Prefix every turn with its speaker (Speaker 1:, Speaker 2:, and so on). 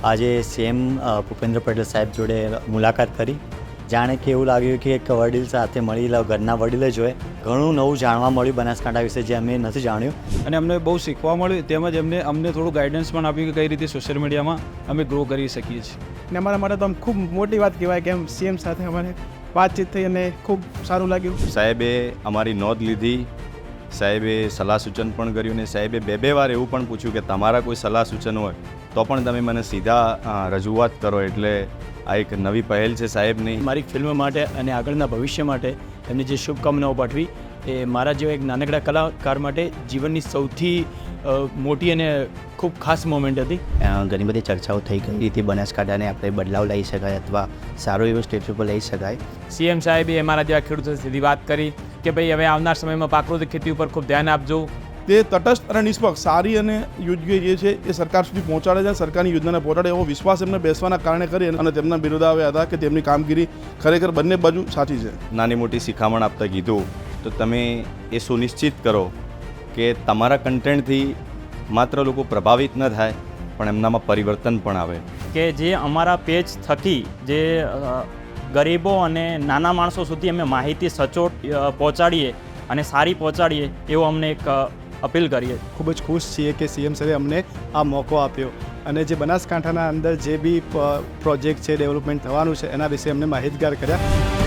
Speaker 1: આજે સીએમ ભૂપેન્દ્ર પટેલ સાહેબ જોડે મુલાકાત કરી. જાણે કે એવું લાગ્યું કે એક વડીલ સાથે મળી ઘરના વડીલ જ હોય. ઘણું નવું જાણવા મળ્યું બનાસકાંઠા વિશે જે અમે નથી જાણ્યું.
Speaker 2: અને અમને બહુ શીખવા મળ્યું, તેમજ અમને થોડું ગાઈડન્સ પણ આપ્યું કે કઈ રીતે સોશિયલ મીડિયામાં અમે ગ્રો કરી શકીએ છીએ.
Speaker 3: ને અમારા માટે તો આમ ખૂબ મોટી વાત કહેવાય કે એમ સીએમ સાથે અમારે વાતચીત થઈ અને ખૂબ સારું લાગ્યું.
Speaker 4: સાહેબે અમારી નોંધ લીધી, સાહેબે સલાહ સૂચન પણ કર્યું અને સાહેબે બે વાર એવું પણ પૂછ્યું કે તમારા કોઈ સલાહ સૂચન હોય તો પણ તમે મને સીધા રજૂઆત કરો. એટલે આ એક નવી પહેલ છે સાહેબની.
Speaker 5: મારી ફિલ્મ માટે અને આગળના ભવિષ્ય માટે એમની જે શુભકામનાઓ પાઠવી એ મારા જેવા એક નાનકડા કલાકાર માટે જીવનની સૌથી મોટી અને ખૂબ ખાસ મોમેન્ટ હતી.
Speaker 6: ઘણી બધી ચર્ચાઓ થઈ ગઈ હતી બનાસકાંઠાને આપણે બદલાવ લઈ શકાય અથવા સારો એવો સ્ટેજ ઉપર લઈ શકાય.
Speaker 7: સીએમ સાહેબે અમારા જેવા ખેડૂતો સીધી વાત કરી કે ભાઈ હવે આવનાર સમયમાં પ્રાકૃતિક ખેતી ઉપર ખૂબ ધ્યાન આપજો.
Speaker 8: તે તટસ્થ અને નિષ્પક્ષ સારી અને યોગ્ય જે છે એ સરકાર સુધી પહોંચાડે છે, સરકારની યોજનાને પહોંચાડે એવો વિશ્વાસ એમને બેસવાના કારણે કરી અને તેમના બિરુદ આવ્યા હતા કે તેમની કામગીરી ખરેખર બંને બાજુ સાચી છે.
Speaker 4: નાની મોટી શિખામણ આપતા કીધું તો તમે એ સુનિશ્ચિત કરો કે તમારા કન્ટેન્ટથી માત્ર લોકો પ્રભાવિત ન થાય પણ એમનામાં પરિવર્તન પણ આવે.
Speaker 7: કે જે અમારા પેજ થકી જે ગરીબો અને નાના માણસો સુધી અમે માહિતી સચોટ પહોંચાડીએ અને સારી પહોંચાડીએ એવો અમને એક અપીલ કરીએ.
Speaker 3: ખૂબ જ ખુશ છીએ કે સીએમ સાહેબે અમને આ મોકો આપ્યો અને જે બનાસકાંઠાના અંદર જે બી પ્રોજેક્ટ છે, ડેવલપમેન્ટ થવાનું છે એના વિશે અમને માહિતગાર કર્યા.